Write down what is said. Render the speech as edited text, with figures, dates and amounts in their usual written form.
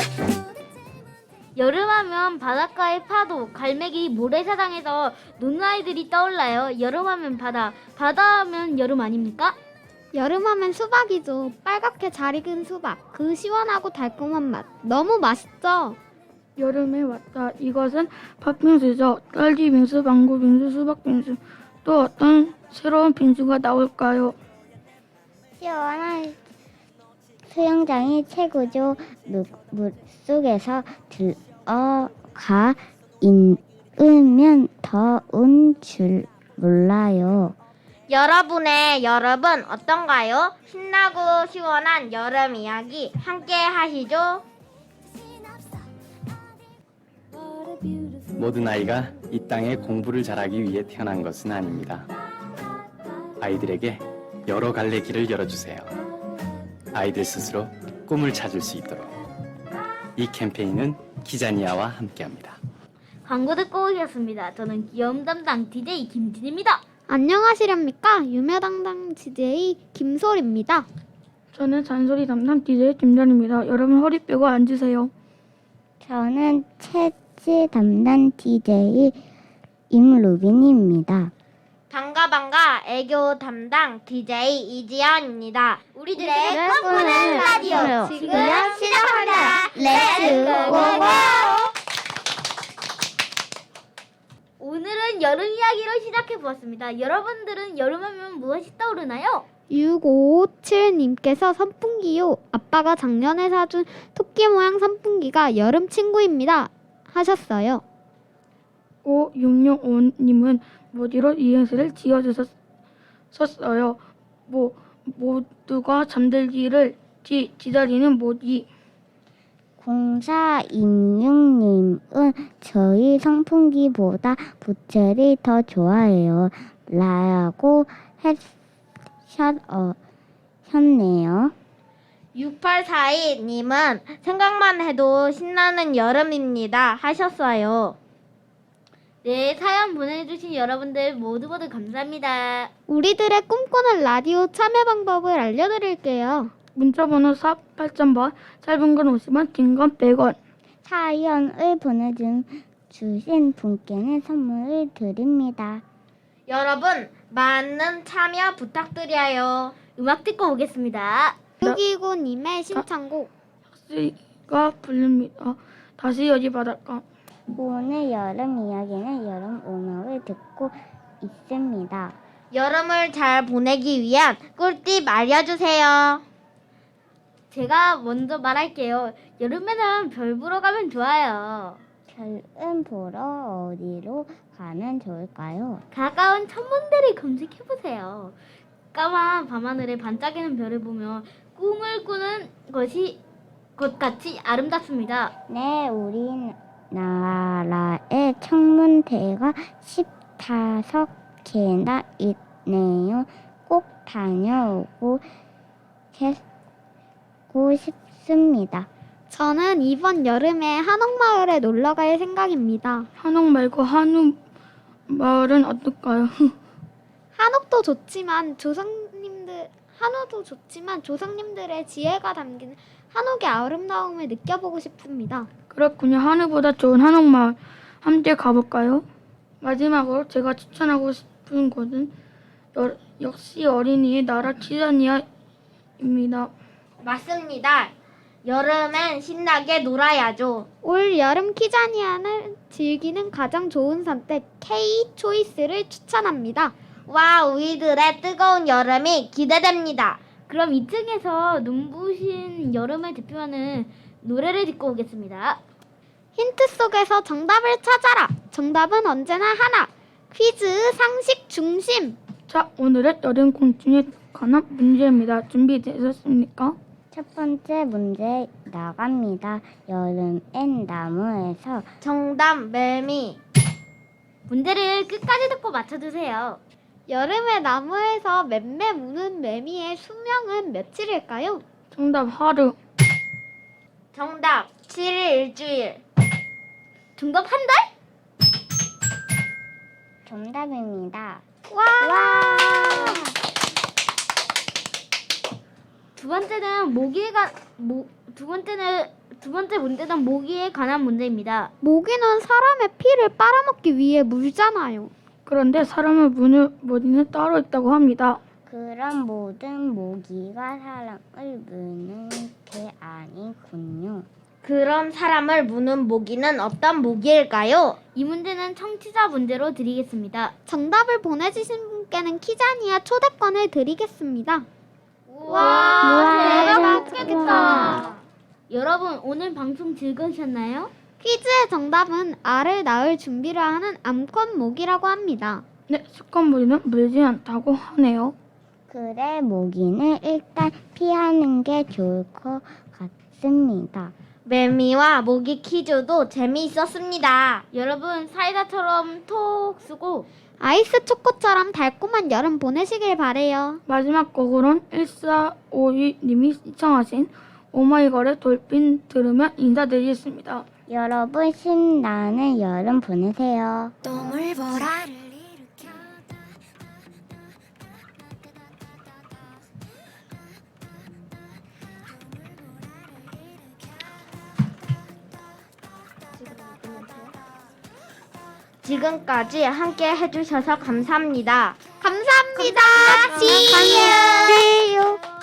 여름하면 바닷가의 파도, 갈매기, 모래사장에서 노는 아이들이 떠올라요. 여름하면 바다, 바다하면 여름 아닙니까? 여름하면 수박이죠. 빨갛게 잘 익은 수박. 그 시원하고 달콤한 맛. 너무 맛있죠? 여름에 왔다. 이것은 팥빙수죠. 딸기 빙수, 망고 빙수, 수박 빙수. 또 어떤 새로운 빙수가 나올까요? 시원한 수영장이 최고죠. 물속에서 들어가 있으면 더운 줄 몰라요. 여러분의 여름은 어떤가요? 신나고 시원한 여름 이야기 함께 하시죠. 모든 아이가 이 땅에 공부를 잘하기 위해 태어난 것은 아닙니다. 아이들에게 여러 갈래 길을 열어주세요. 아이들 스스로 꿈을 찾을 수 있도록. 이 캠페인은 키자니아와 함께합니다. 광고 듣고 오셨습니다. 저는 귀여움 담당 DJ 김진입니다. 안녕하시렵니까? 유명당당 DJ 김솔입니다. 저는 잔소리 담당 DJ 김전입니다. 여러분 허리 펴고 앉으세요. 저는 채찌 담당 DJ 임루빈입니다. 반가 애교 담당 DJ 이지연입니다. 우리들의 꿈꾸는 라디오 지금 시작합니다. 렛츠 고고! 오늘은 여름 이야기로 시작해 보았습니다. 여러분들은 여름하면 무엇이 떠오르나요? 6557님께서 선풍기요. 아빠가 작년에 사준 토끼 모양 선풍기가 여름 친구입니다. 하셨어요. 5665님은 모디로 이행시를 지어주셨어요. 모두가 잠들기를 기다리는 모디. 0426님은 저희 선풍기보다 부채를 더 좋아해요. 라고 하셨네요. 6842님은 생각만 해도 신나는 여름입니다. 하셨어요. 네, 사연 보내주신 여러분들 모두 감사합니다. 우리들의 꿈꾸는 라디오 참여 방법을 알려드릴게요. 문자번호 샵 8000번, 짧은 건 50원, 긴 건 100원. 사연을 보내주신 분께는 선물을 드립니다. 여러분, 많은 참여 부탁드려요. 음악 듣고 오겠습니다. 629님의 신청곡. 가 부릅니다. 다시 여기 바닷가. 오늘 여름 이야기는 여름 음악을 듣고 있습니다. 여름을 잘 보내기 위한 꿀팁 알려주세요. 제가 먼저 말할게요. 여름에는 별 보러 가면 좋아요. 별은 보러 어디로 가면 좋을까요? 가까운 천문대를 검색해보세요. 까만 밤하늘에 반짝이는 별을 보며 꿈을 꾸는 것 같이 아름답습니다. 네, 우리나라의 천문대가 15개나 있네요. 꼭 다녀오고 싶습니다. 저는 이번 여름에 한옥마을에 놀러갈 생각입니다. 한옥 말고 한우 마을은 어떨까요? 한옥도 좋지만 한우도 좋지만 조상님들의 지혜가 담긴 한옥의 아름다움을 느껴보고 싶습니다. 그렇군요. 한우보다 좋은 한옥 마을 함께 가볼까요? 마지막으로 제가 추천하고 싶은 곳은 역시 어린이의 나라 키자니아입니다. 맞습니다. 여름엔 신나게 놀아야죠. 올 여름 키자니아를 즐기는 가장 좋은 선택 K-초이스를 추천합니다. 와, 우리들의 뜨거운 여름이 기대됩니다. 그럼 2층에서 눈부신 여름을 대표하는 노래를 듣고 오겠습니다. 힌트 속에서 정답을 찾아라. 정답은 언제나 하나. 퀴즈 상식 중심. 자, 오늘의 여름 공중에 관한 문제입니다. 준비되셨습니까? 첫 번째 문제 나갑니다. 여름엔 나무에서 정답 매미. 문제를 끝까지 듣고 맞춰주세요. 여름에 나무에서 맴매 무는 매미의 수명은 며칠일까요? 정답 하루. 정답 7일 일주일. 정답 한 달? 정답입니다. 와! 두 번째는 두 번째 문제는 모기에 관한 문제입니다. 모기는 사람의 피를 빨아먹기 위해 물잖아요. 그런데 사람을 무는 모기는 따로 있다고 합니다. 그럼 모든 모기가 사람을 무는 게 아니군요. 그럼 사람을 무는 모기는 어떤 모기일까요? 이 문제는 청취자 문제로 드리겠습니다. 정답을 보내주신 분께는 키자니아 초대권을 드리겠습니다. 와, 대박이겠다. 여러분, 오늘 방송 즐거우셨나요? 퀴즈의 정답은 알을 낳을 준비를 하는 암컷 모기라고 합니다. 네, 수컷 모기는 물지 않다고 하네요. 그래, 모기는 일단 피하는 게 좋을 것 같습니다. 매미와 모기 퀴즈도 재미있었습니다. 여러분, 사이다처럼 톡 쓰고 아이스 초코처럼 달콤한 여름 보내시길 바래요. 마지막 곡으론 1452님이 시청하신 오마이걸의 돌핀 들으며 인사드리겠습니다. 여러분 신나는 여름 보내세요. 지금까지 함께 해주셔서 감사합니다. 감사합니다. See you.